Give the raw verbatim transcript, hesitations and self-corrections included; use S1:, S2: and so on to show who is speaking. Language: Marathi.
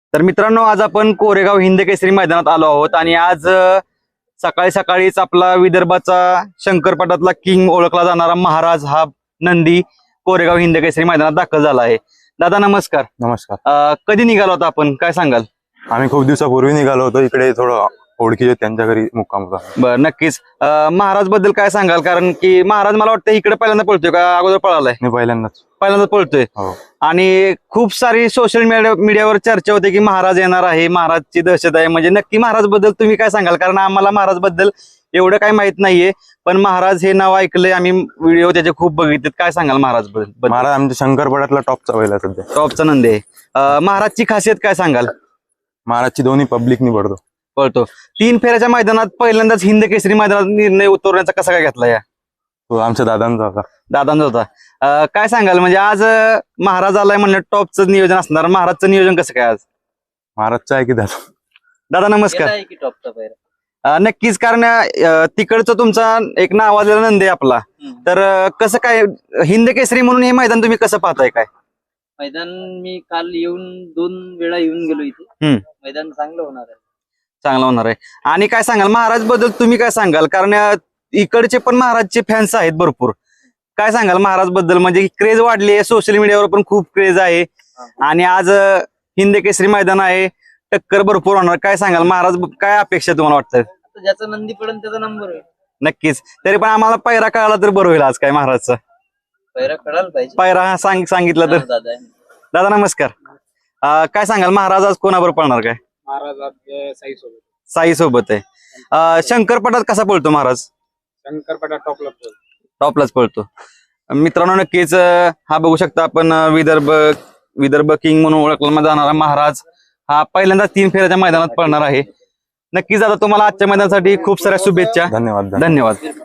S1: तर मित्रांनो, आज आपण कोरेगाव हिंद केसरी मैदानात आलो आहोत आणि आज अ, सकाळी सकाळीच आपला विदर्भाचा शंकरपटातला किंग ओळखला जाणारा महाराज हा नंदी कोरेगाव हिंद केसरी मैदानात दाखल झाला आहे. दादा नमस्कार.
S2: नमस्कार.
S1: अ, कधी निघालो होता आपण, काय सांगाल?
S2: आम्ही खूप दिवसापूर्वी निघालो होतो इकडे, थोडं ओळखीचे त्यांच्या घरी मुक्काम होता.
S1: बरं, नक्कीच. अ, महाराज बद्दल काय सांगाल? कारण की महाराज मला वाटतं इकडे पहिल्यांदा पळतोय का अगोदर पळालाय?
S2: मी पहिल्यांदाच
S1: पहिल्यांदा पळतोय.
S2: हो.
S1: आणि खूप सारी सोशल मीडिया मीडियावर चर्चा होते की महाराज येणार आहे, महाराजची दहशत आहे. म्हणजे नक्की महाराज बद्दल तुम्ही काय सांगाल? कारण आम्हाला महाराज बद्दल एवढं काही माहित नाहीये, पण महाराज हे नाव ऐकलंय आम्ही, व्हिडिओ त्याचे खूप बघितलेत. काय सांगाल महाराज बद्दल?
S2: महाराज आमच्या शंकरपटातला टॉपचा बैल आहे सध्या.
S1: टॉपचा नंदी आहे. अ, महाराजची खासियत काय सांगाल?
S2: महाराजची दोन्ही पब्लिकनी पडतो.
S1: पळतो. तीन फेऱ्याच्या मैदानात पहिल्यांदाच हिंद केसरी मैदानात निर्णय उतरवण्याचा कसा काय घेतला? या
S2: तो आमच्या दादांचा होता.
S1: दादांचा होता. अ, काय सांगाल? म्हणजे आज अ, महाराज आलाय म्हणलं, टॉपचं नियोजन असणार. महाराजचं नियोजन कसं काय आज?
S2: महाराजचा आहे की दादा?
S1: दादा नमस्कार. अ, नक्कीच, कारण अ, तिकडचं तुमचा एक नावाजलेला नंदी आहे आपला. तर अ, कसं काय हिंद केसरी म्हणून हे मैदान तुम्ही कसं पाहताय? काय
S3: मैदान मी काल येऊन दोन वेळा येऊन गेलो इथे.
S1: हम्म.
S3: मैदान चांगलं होणार आहे.
S1: चांगला होणार आहे. आणि काय सांगाल महाराज बद्दल तुम्ही काय सांगाल? कारण अ, इकडचे पण महाराजचे फॅन्स आहेत भरपूर. काय सांगाल महाराज बद्दल? म्हणजे क्रेज वाढली आहे, सोशल मीडियावर पण खूप क्रेज आहे आणि आज अ, हिंद केसरी मैदान आहे, टक्कर भरपूर होणार. काय सांगाल महाराज, काय अपेक्षा तुम्हाला वाटतं?
S3: आता ज्याचा नंदी पडेल त्याचा नंबर होईल.
S1: नक्कीच. तरी पण आम्हाला पायरा कळाला तर बरं होईल आज. काय महाराजचा
S3: पैरा कळायला पाहिजे.
S1: पायरा हा सांग सांगितलं तर.
S3: दादा
S1: दादा नमस्कार. अ, काय सांगाल महाराज आज कोणाबरोबर पळणार? काय
S4: महाराज आज साई सोबत.
S1: साई सोबत आहे. अ, शंकरपटात कसा पळतो महाराज?
S4: शंकरपटा टॉपला पळतो.
S1: टॉपलाच पळतो. मित्रांनो, नक्कीच अ, हा बघू शकता आपण, अ, विदर्भ विदर्भ किंग म्हणून ओळखला जाणारा महाराज हा पहिल्यांदा तीन फेऱ्याच्या मैदानात पळणार आहे. नक्कीच दादा, तुम्हाला आजच्या मैदानासाठी खूप साऱ्या शुभेच्छा.
S2: धन्यवाद.
S1: धन्यवाद.